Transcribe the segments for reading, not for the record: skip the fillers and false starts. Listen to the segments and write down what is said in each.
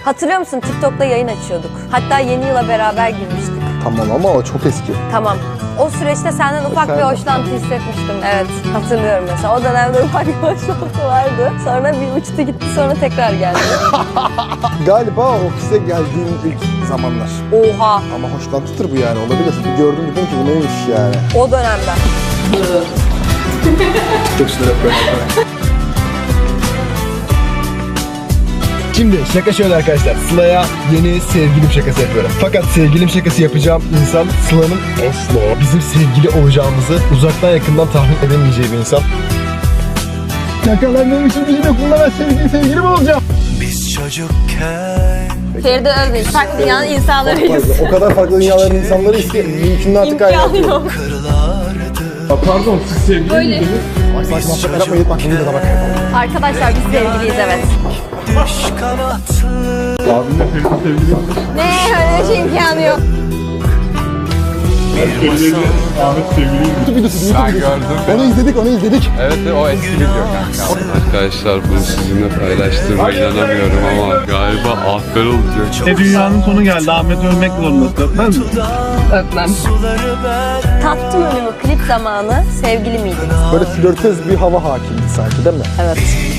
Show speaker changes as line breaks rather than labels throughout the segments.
Hatırlıyor musun? TikTok'ta yayın açıyorduk. Hatta yeni yıla beraber girmiştik.
Tamam ama o çok eski.
Tamam. O süreçte senden ufak bir hoşlantı hissetmiştim. Evet, hatırlıyorum mesela. O dönemde ufak bir hoşlantı vardı. Sonra bir uçtu gitti, sonra tekrar geldi.
Galiba ofise geldiğin ilk zamanlar.
Oha!
Ama hoşlantıdır bu yani, olabilir. Bir gördüm dedim ki bu neymiş yani.
O dönemden.
Çok sinir böyle.
Şimdi şaka şöyle arkadaşlar. Sıla'ya yeni sevgilim şakası yapıyorum. Fakat sevgilim şakası yapacağım insan Sıla'nın asla bizim sevgili olacağımızı uzaktan yakından tahmin edemeyeceği bir insan. Yakalandığım için bunlara sevgilim olacağım.
Biz çocukken
Feride Özbey, farklı dünyanın insanlarıyız.
O kadar farklı dünyaların insanlarıyız ki mümkün artık
İmkanı yok.
kırılardı.
Pardon, siz sevgili
Böyle.
Bak muhabbetler yapmayın, bak bunu da bak.
Arkadaşlar biz sevgiliyiz, evet.
Düş kanatlı
Abimle Feride sevgili.
Ne? Öyle bir şey imkanı yok.
Ahmet sevgiliyim.
Ben gördüm.
Onu izledik.
Evet, o eski video kanka. Arkadaşlar bunu sizinle paylaştığıma inanamıyorum ama galiba afer olacak.
Dünyanın sonu geldi. Ahmet ölmek zorundasın. Öpmez mi?
Öpmem. Tattım önümü, klip zamanı sevgili miydik?
Böyle flörtöz bir hava hakimdi sanki, değil mi?
Evet.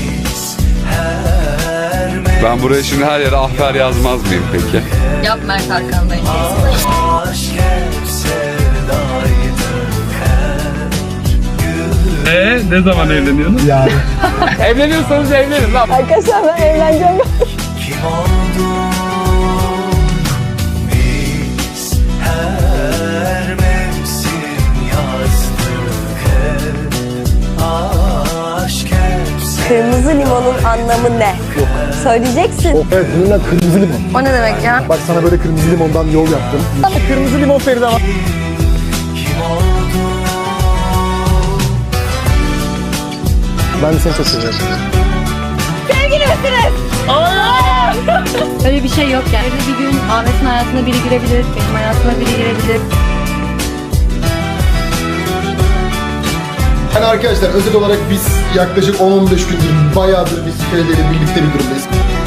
Ben buraya şimdi her yere afer yazmaz mıyım peki?
Yap Mert Hakan'dayım.
aşk hep sevdaydı.
Ne zaman evleniyorsunuz? Yani.
Evleniyorsanız evlenin lan.
Arkadaşlar ben evleneceğim.
Kim olduk biz, her mevsim yazdık hep. Aşk hep
Kırmızı limonun anlamı ne? Yok. Söyleyeceksin.
Evet, bununla kırmızı limon.
O ne demek ya?
Bak sana böyle kırmızı limondan yol yaptım. Kırmızı limon Feride var.
kim olduk?
Ben de seni çok seviyorum.
Sevgili misiniz? Öyle bir şey yok yani. Öyle bir gün Ahmet'in hayatına biri girebilir, benim hayatıma biri girebilir.
Yani arkadaşlar özel olarak biz yaklaşık 10-15 gündür bayağıdır biz Feride ile birlikte bir durumdayız.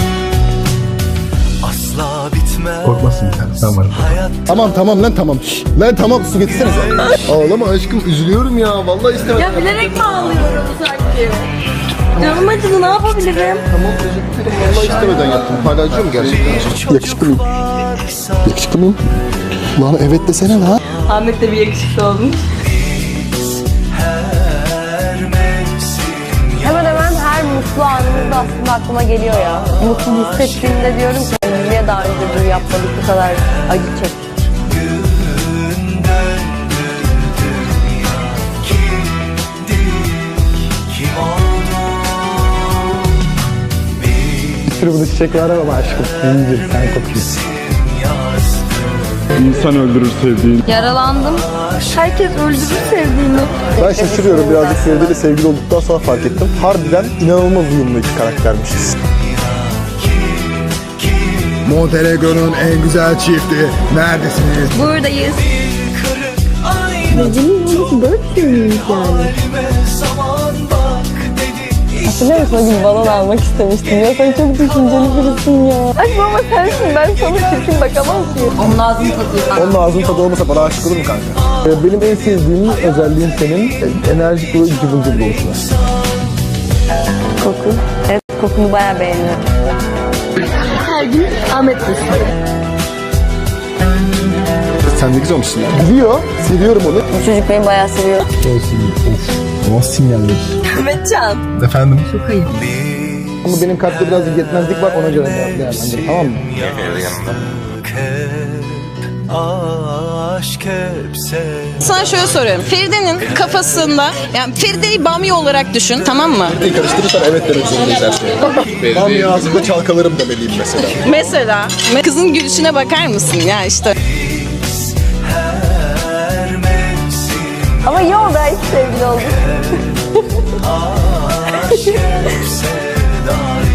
Asla bitmez.
Korkmasın sen. Ben varım.
Hayat
Tamam lan tamam. Lan tamam, su getirsene sen. Ağlama aşkım, üzülüyorum ya. Vallahi istemem.
Ya bilerek mi ağlıyorum sanki? Canım acıdı, ne yapabilirim?
Tamam, teşekkür ederim. Vallahi istemeden yaptım. Hala acıyor mu gerçekten? Yakışıklı mıyım? Yakışıklı mıyım? Lan evet desene lan.
Ahmet de bir yakışıklı olmuş.
her mevsim
Hemen hemen her mutlu anımızda aslında aklıma geliyor ya. Mutlu hissettiğimde diyorum ki niye daha önce bunu yapmadık, bu kadar acı çektik.
kim olduk biz,
Bir sürü bunu çiçek var ama aşkım. İyice sen kokuyorsun.
yazdık.
İnsan öldürür sevdiğini.
Yaralandım. Herkes öldürür sevdiğini.
Ben şaşırıyorum birazcık, Feride ile sevgili olduktan sonra fark ettim. Harbiden inanılmaz uyumlu iki karaktermişiz. Montenegro'nun en güzel çifti. Neredesiniz?
Buradayız.
Kırık aynı halime zaman bak dedi.
Hatırlıyor musun o gün balon almak istemiştim ya, sen çok düşünceli birisin ya. Aşkım ama sensin, ben sana çirkin bakamam ki. Onun ağzını tadıyor.
Onun ağzının tadı olmasa bana aşık olur mu kanka? Benim en sevdiğim özelliğin senin enerjik ve cıvıl cıvıl oluşun.
Koku. Evet, kokunu bayağı beğeniyorum. Her gün Ahmet
Sen ne güzel olmuşsun ya. Biliyor, seviyorum onu.
Bu çocuk beni bayağı seviyor.
O sinyaller.
Ahmetcan.
Efendim?
Çok ayıp.
Ama benim kalpte biraz yetmezlik var, ona göre değerlendir, tamam mı?
Aşk hep sevda.
Sana şöyle soruyorum. Feride'nin kafasında, yani Feride'yi bamya olarak düşün, tamam mı?
Karıştırırsan evet demek zorundayız her şeye. Ben bir ağzımda çalkalarım demeliyim mesela.
Mesela kızın gülüşüne bakar mısın ya işte.
Her mevsim
Ama iyi oldu, hiç sevgili olduk.
aşk hep sevda.